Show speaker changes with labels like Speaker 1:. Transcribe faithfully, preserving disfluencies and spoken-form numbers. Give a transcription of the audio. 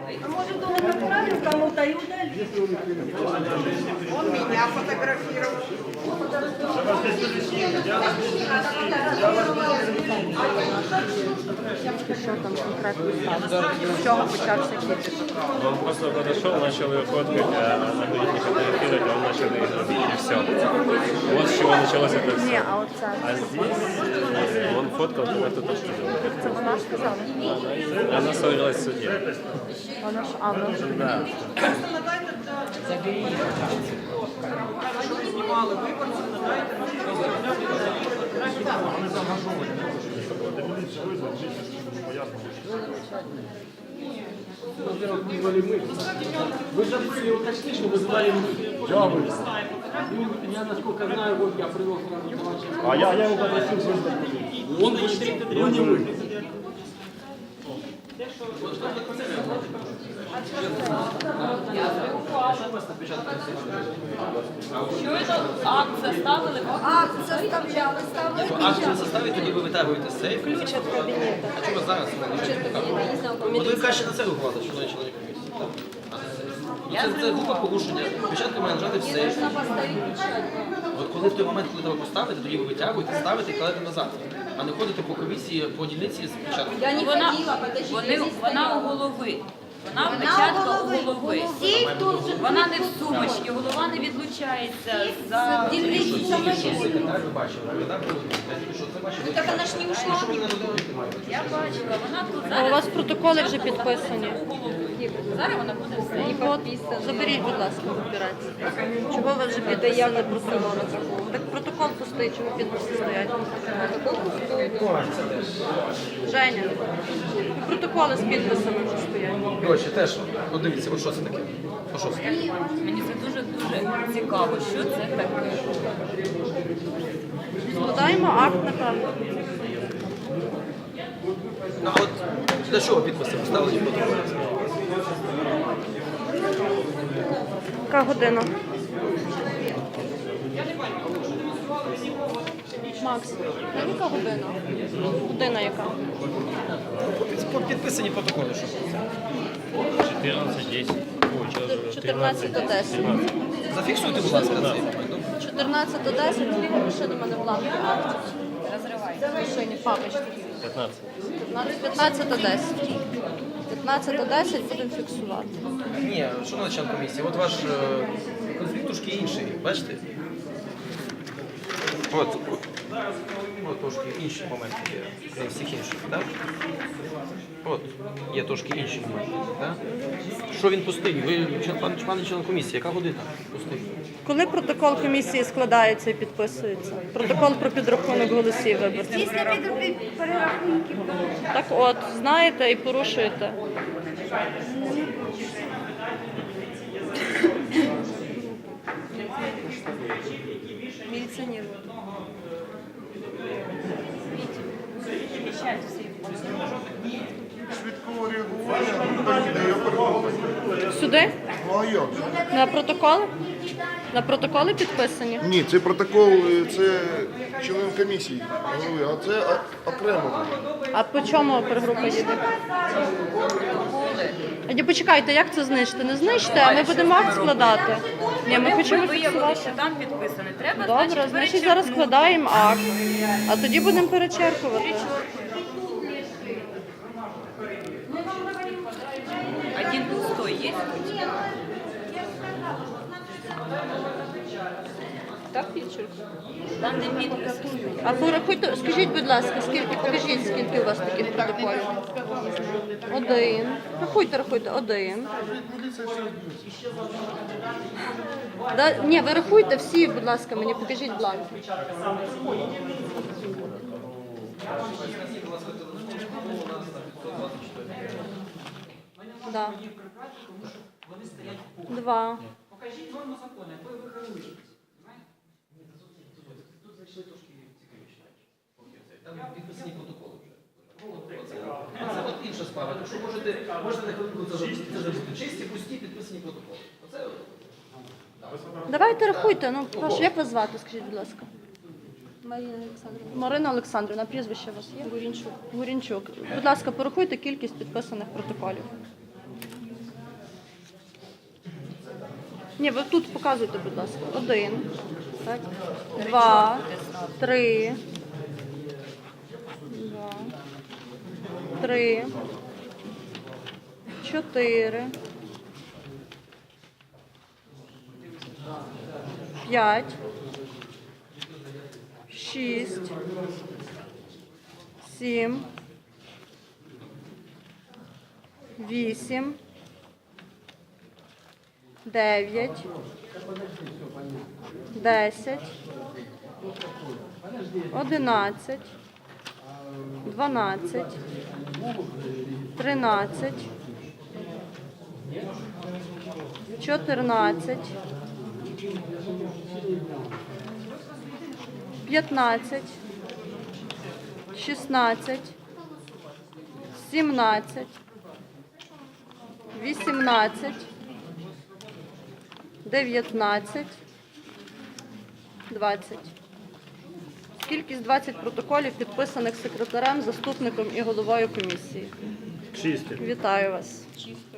Speaker 1: А может, он направил кому-то и удалил?
Speaker 2: Он меня фотографировал.
Speaker 3: Що там конкретно сталося? З чого почався кіпіш?
Speaker 4: Он просто подошел, начал ее фоткать, а она говорит, не фотографировать, а он начал ее грабить, и все. Вот с чего началось это
Speaker 3: Ні,
Speaker 4: все.
Speaker 3: а оце.
Speaker 4: А здесь э, он фоткал, это то, что делал.
Speaker 3: Це вона сказала?
Speaker 4: Она ссорилась в суде.
Speaker 3: Вона ж, а, вона вже
Speaker 4: Да.
Speaker 2: Знімали виборців, надайте.
Speaker 5: Во-первых, вызвали мы. Вы же были уточнить, что вызывали мы. Да, вы. Я, насколько знаю, вот я привел сразу товарища. А я, я его попросил вызвать. Он вышел, но не вы.
Speaker 6: Щойно акт заставили.
Speaker 1: Акт составляли, ставили
Speaker 7: Акцію заставить, тоді ви витягуєте з сейфу.
Speaker 3: ключ від кабінету.
Speaker 7: А чому зараз? От ви краще на це реагувати, що чоловік комісії. Це, це група порушення. Спочатку має лежати в сейф. От коли в той момент, коли треба поставити, тоді ви витягуєте, ставите і кладете назад. А не ходите по комісії, по дільниці спочатку.
Speaker 1: Я не
Speaker 6: Вона,
Speaker 1: ходила, подождите,
Speaker 6: вони,
Speaker 1: я здесь
Speaker 6: вона у
Speaker 1: стояла.
Speaker 6: голови. Вона
Speaker 1: Вона
Speaker 6: печатка
Speaker 1: у голови.
Speaker 6: у голови.
Speaker 1: Сейф тут же.
Speaker 6: Вона не в сумочці, голова не відлучається за
Speaker 1: Дільниці
Speaker 7: Тільки
Speaker 1: саме.
Speaker 7: що секретар ви бачили, так? Я тільки що це бачив.
Speaker 1: Так она ж не ушла.
Speaker 7: Що ви не робите?
Speaker 6: Я бачила, вона тут
Speaker 3: А
Speaker 6: зараз.
Speaker 3: у вас протоколи вже підписані.
Speaker 6: у голови. Зараз вона буде все.
Speaker 3: І от, заберіть, будь ласка, папірець. Чого ви вже підписали протоколи? Так протокол пустий, чого підписи стоять? Женя, протоколи з підписами вже стоять.
Speaker 7: Коротше, теж, от дивіться, от що це таке? От що це таке?
Speaker 6: Мені це дуже-дуже цікаво, що це таке.
Speaker 3: Складаємо акт, напевно.
Speaker 7: А от для чого підписи поставили в протоколі?
Speaker 3: Яка година? Макс, ну, яка година? Година яка?
Speaker 7: Під- Підписані протоколи, що це?
Speaker 4: четырнадцать десять. Ой, сейчас уже
Speaker 3: чотирнадцять десять.
Speaker 7: Зафіксуйте, будь ласка, цей момент.
Speaker 3: чотирнадцять десять, скільки пише до мене бланки актів?
Speaker 6: Розривай.
Speaker 3: В машині, папочці.
Speaker 4: пятнадцать.
Speaker 3: п'ятнадцять десять. п'ятнадцять десять будемо фіксувати.
Speaker 7: Ні, що на член комісії? От ваш е, конфлікт трошки інший, бачите? От, от трошки інші моменти є, крім всіх інших, так? От, є трошки інші моменти, так? Що він пустий? Ви, член- пан, пане член комісії, яка година пустий?
Speaker 3: Коли протокол комісії складається і підписується? Протокол про підрахунок голосів виборців.
Speaker 1: Після підрахунків перерахунків.
Speaker 3: Так от, знаєте і порушуєте.
Speaker 1: Міліціонер.
Speaker 8: Швидкого реагування, так іде, я переконаний.
Speaker 3: Сюди?
Speaker 8: Ну а як же?
Speaker 3: На протоколи? На протоколи підписані?
Speaker 8: Ні, це протокол, е, це член комісії голови, а це о- окремо.
Speaker 3: А по чому опергрупа їде? А ні, почекайте, як це знищити? Не знищте, а ми будемо акт складати. Ні, ми хочемо
Speaker 6: Ви виявили,
Speaker 3: фіксувати.
Speaker 6: що там підписане. Треба,
Speaker 3: Добре,
Speaker 6: значить,
Speaker 3: значить зараз
Speaker 6: перечеркнути.
Speaker 3: складаємо акт, а тоді будемо перечеркувати.
Speaker 6: Один пустой есть?
Speaker 3: Так, підчерк.
Speaker 6: Там не підпис.
Speaker 3: А порахуйте, скажіть, будь ласка, скільки, покажіть, скільки у вас таких протоколів? Один. Рахуйте, рахуйте, один. Да, ні, ви рахуйте всі, будь ласка, мені покажіть бланки. Да. Два.
Speaker 2: Покажіть норму закону, якою ви керуєтесь. Тут зайшли трошки цікавіші речі.
Speaker 7: Там підписані протоколи вже. Це от інша справа. Тому що можете, можете на хвилинку це зробити. Це зробити. Чисті, пусті, підписані протоколи. Оце
Speaker 3: Давайте рахуйте. Ну, прошу, як вас звати, скажіть, будь ласка? Марина Олександрівна. Марина Олександрівна, прізвище у вас є? Гурінчук. Гурінчук. Будь ласка, порахуйте кількість підписаних протоколів. Ні, ви тут показуйте, будь ласка. Один, так, два, три, два, три, чотири, п'ять, шість, сім, вісім, дев'ять, десять, одинадцять, дванадцять, тринадцять, чотирнадцять, п'ятнадцять, шістнадцять, сімнадцять, вісімнадцять, дев'ятнадцять, двадцять. Кількість двадцять протоколів, підписаних секретарем, заступником і головою комісії.
Speaker 4: Чисті.
Speaker 3: Вітаю вас.